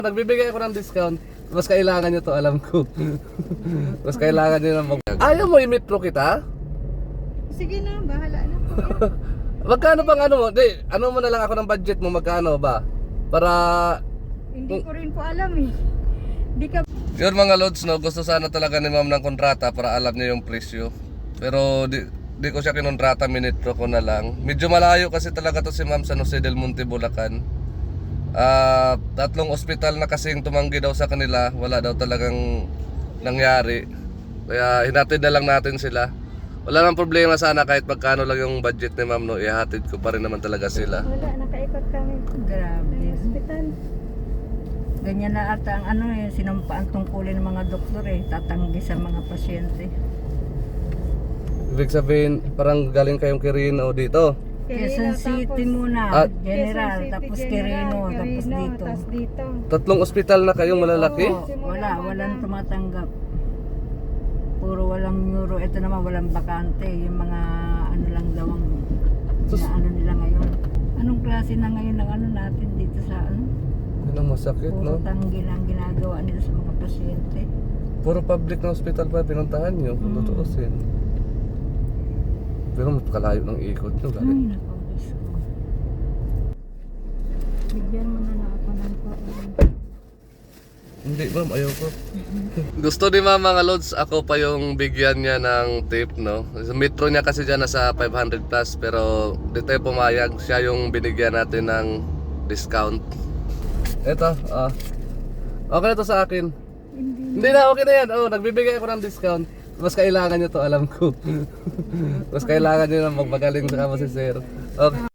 Nagbibigay ako ng discount. Mas kailangan nyo to, alam ko. Mas kailangan nyo na Ayaw mo i-metro kita? Sige na, bahala na po. Magkano bang ano mo? Di, ano mo na lang ako ng budget mo, magkano ba? Para... Hindi ko rin po alam eh. Di ka... Yun mga lods, no, gusto sana talaga ni ma'am ng kontrata para alam niya yung presyo. Pero di ko siya kinontrata, minitro ko na lang. Medyo malayo kasi talaga to si ma'am sa Jose del Monte, Bulacan. 3 ospital na kasing tumanggi daw sa kanila, wala daw talagang nangyari. Kaya hinatid na lang natin sila. Wala nang problema sana kahit magkano lang yung budget ni ma'am, no, ihatid ko pa rin naman talaga sila. Wala, nakaikot kami. Grabe. Hospital. Ganyan na ata ang ano eh, sinampaan tungkulin ng mga doktor eh, tatanggi sa mga pasyente. Ibig sabihin, parang galing kayong Quirino dito. Quezon City muna, General, tapos Quirino, tapos dito. 3 ospital na kayong malalaki? Oo, walang tumatanggap. Puro walang neuro, ito naman walang bakante, yung mga ano lang daw ang ano nila ngayon. Anong klase na ngayon ng ano natin dito sa ano? Yun ang masakit, Puro no? tanggi lang ginagawa nila sa mga pasyente. Puro public na hospital pa pinuntahan nyo, kung tutuusin. Pero mas kalayo ng ikot nyo, Ay, galing. naku, Diyos ko. Bigyan mo na ako ng Hindi ma'am, ayaw ko. Gusto ni ma'am mga lods, ako pa yung bigyan niya ng tip, no? Sa metro niya kasi dyan nasa 500 plus, pero di tayo pumayag. Siya yung binigyan natin ng discount. Eto, okay na to sa akin. Hindi na, okay na yan. Oh, nagbibigay ako ng discount. Mas kailangan nyo to, alam ko. Mas kailangan nyo na magmagaling sa kamo si sir. Okay.